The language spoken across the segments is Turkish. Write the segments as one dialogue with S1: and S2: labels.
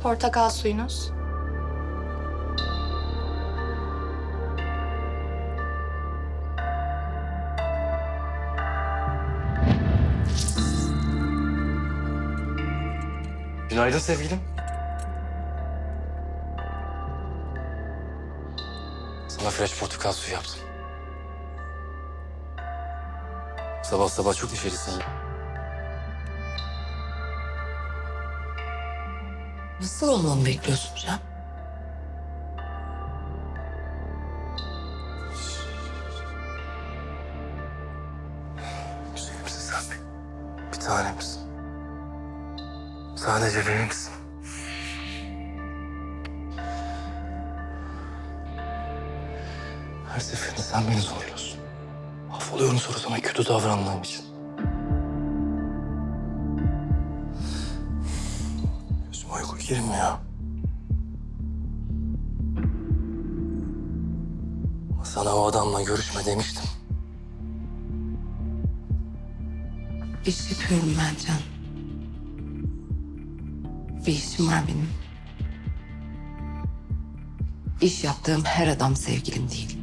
S1: Portakal suyunuz.
S2: Günaydın sevgilim. Sana fresh portakal suyu yaptım. Sabah sabah çok neşelisin.
S3: Nasıl olmamı bekliyorsun Cem?
S2: Güzelimsin sen benim. Bir tanemsin. Sadece benimsin. Her seferinde sen beni zorluyorsun. Affoluyorum sonra sana kötü davrandığım için. Gözüme uyku girmiyor. Ama sana o adamla görüşme demiştim.
S3: İş yapıyorum ben Can. Bir işim var benim. İş yaptığım her adam sevgilim değil.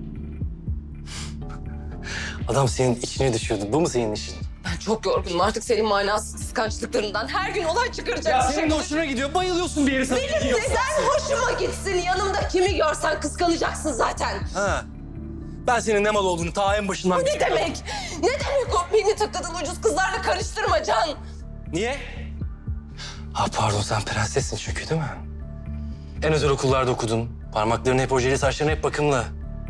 S2: Adam senin içine düşüyordu. Bu mu senin işin?
S3: Ben çok yorgunum artık senin manasız kıskançlıklarından. Her gün olay çıkaracak.
S2: Ya senin de hoşuna gidiyor. Bayılıyorsun bir yere sana.
S3: Benim neden hoşuma gitsin? Yanımda kimi görsen kıskanacaksın zaten.
S2: Ha. Ben senin ne mal olduğunu ta en başından
S3: Ne
S2: biliyordum.
S3: demek? Ne demek o beni takıldığın ucuz kızlarla karıştırma Can?
S2: Niye? Ha pardon sen prensessin çünkü değil mi? En özel okullarda okudun. Parmakların hep ojeli, saçların hep bakımlı.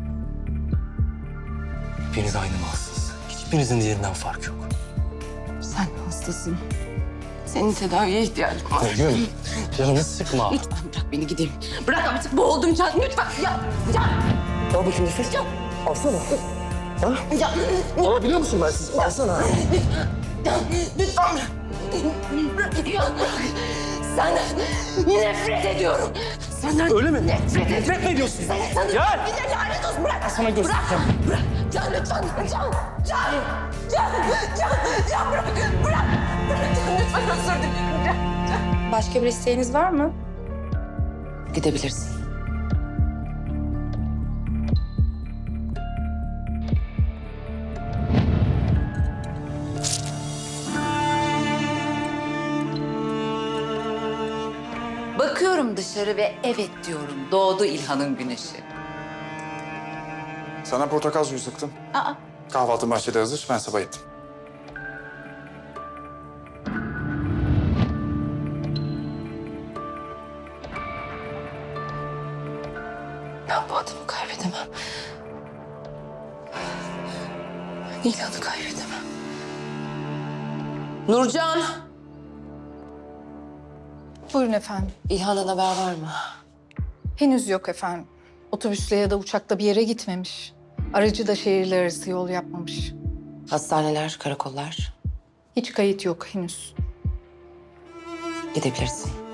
S2: Hepiniz aynı malsınız. Hiçbirinizin diğerinden fark yok.
S3: Sen hastasın. Senin tedaviye ihtiyacın var.
S2: Gül, canını sıkma.
S3: Lütfen bırak beni gideyim. Bırak artık boğuldum Can. Lütfen. Ya.
S2: Al bakayım nefes.
S3: Ya.
S2: Alsana. Ha?
S3: Ya.
S2: Alabiliyor musun ben sizi? Alsana.
S3: Can. Lütfen bırak. Bırak. Ya. Senden nefret ediyorum. Senden
S2: Öyle mi?
S3: Nefret ediyorum.
S2: Nefret mi ediyorsun?
S3: Sana
S2: Gel.
S3: bir de lanet olsun. Bırak.
S2: Sana göstereceğim.
S3: Bırak. Bırak. Can lütfen. Can. Can. Can. Can. Can bırak. Bırak. Bırak. Can lütfen özür dilerim. Can.
S1: Başka bir isteğiniz var mı?
S3: Gidebilirsin.
S4: Bakıyorum dışarı ve evet diyorum. Doğdu İlhan'ın güneşi.
S5: Sana portakal suyu sıktım.
S4: Aa,
S5: Kahvaltın bahçede hazır. Ben sabah ettim.
S3: Ben bu adamı kaybedemem. İlhan'ı kaybedemem. Nurcan!
S6: Buyurun efendim.
S3: İlhan'dan haber var mı?
S6: Henüz yok efendim. Otobüsle ya da uçakla bir yere gitmemiş. Aracı da şehirler arası yol yapmamış.
S3: Hastaneler, karakollar.
S6: Hiç kayıt yok henüz.
S3: Gidebilirsin.